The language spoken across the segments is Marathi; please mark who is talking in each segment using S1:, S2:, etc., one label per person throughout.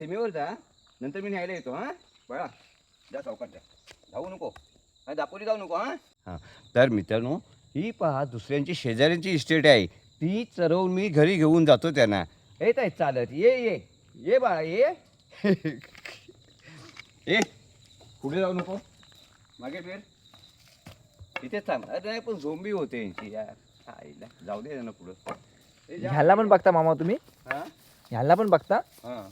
S1: सीमेवर जा, नंतर मी न्यायला येतो. हां बळा, जा सावकाश जा, धावू नको, दापोली जाऊ नको. हां तर मित्रांनो, ही पहा दुसऱ्यांची शेजाऱ्यांची इस्टेट आहे, ती चरवून मी घरी घेऊन जातो त्यांना. येत आहेत चालत, ये ये ये बाळा ये. ए पुढे जाऊ नको, मागे फिर, इथेच थांब. अरे नाही पण झोंबी होते यांची यार, आईला जाऊ दे ना पुढं. ए, जा.
S2: ह्याला पण बघता मामा तुम्ही?
S1: हां
S2: ह्याला पण बघता?
S1: हां,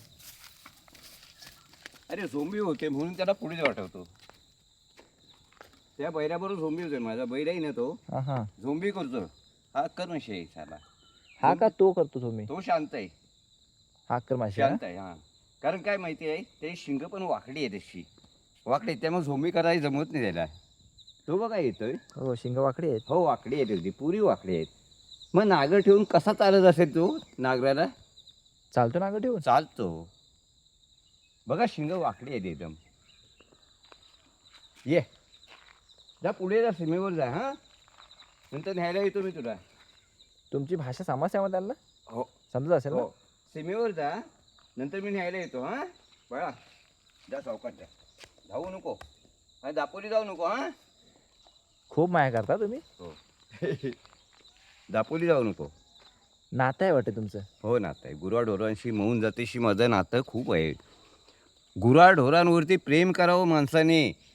S1: अरे झोंबी होते म्हणून त्याला पुढे वाटवतो. त्या बैराबरोबर झोंबी होते, माझा बैराही ना तो
S2: हा हा.
S1: झोंबी करतो. हा कर माशी साला,
S2: हा का तो करतो तुम्ही?
S1: तो शांत आहे,
S2: हा कर माशी. हा?
S1: शांत आहे. हां कारण काय माहिती आहे, ते शिंग पण वाकडी आहे, तशी वाकडी आहे, त्यामुळे झोंबी करायला जमत नाही त्याला. तो बघा येतोय.
S2: हो शिंग वाकडी आहेत.
S1: हो वाकडी आहेत, अगदी पुरी वाकडी आहेत. मग नागर ठेवून कसा चालत असेल तो? नागराला
S2: चालतो ना ग ठेवून?
S1: चालतो. बघा शिंग वाकडी आहेत एकदम. ये जा पुढे जा, सीमेवर जा. हां नंतर न्यायला येतो मी तुला.
S2: तुमची भाषा समजते मग त्यांना?
S1: हो
S2: समजत असेल ना?
S1: हो, सीमेवर जा, नंतर मी न्यायला येतो. हां बळा, जा सावकाश जा, धावू नको, दापोली जाऊ नको. हां
S2: खूप माया करता तुम्ही.
S1: हो. दापोली जाऊ नको.
S2: नातं आहे वाटते तुमचं.
S1: हो नातं आहे, गुराढोरांशी मौन जातीशी माझं नातं खूप आहे. गुराढोरांवरती प्रेम करावं माणसाने,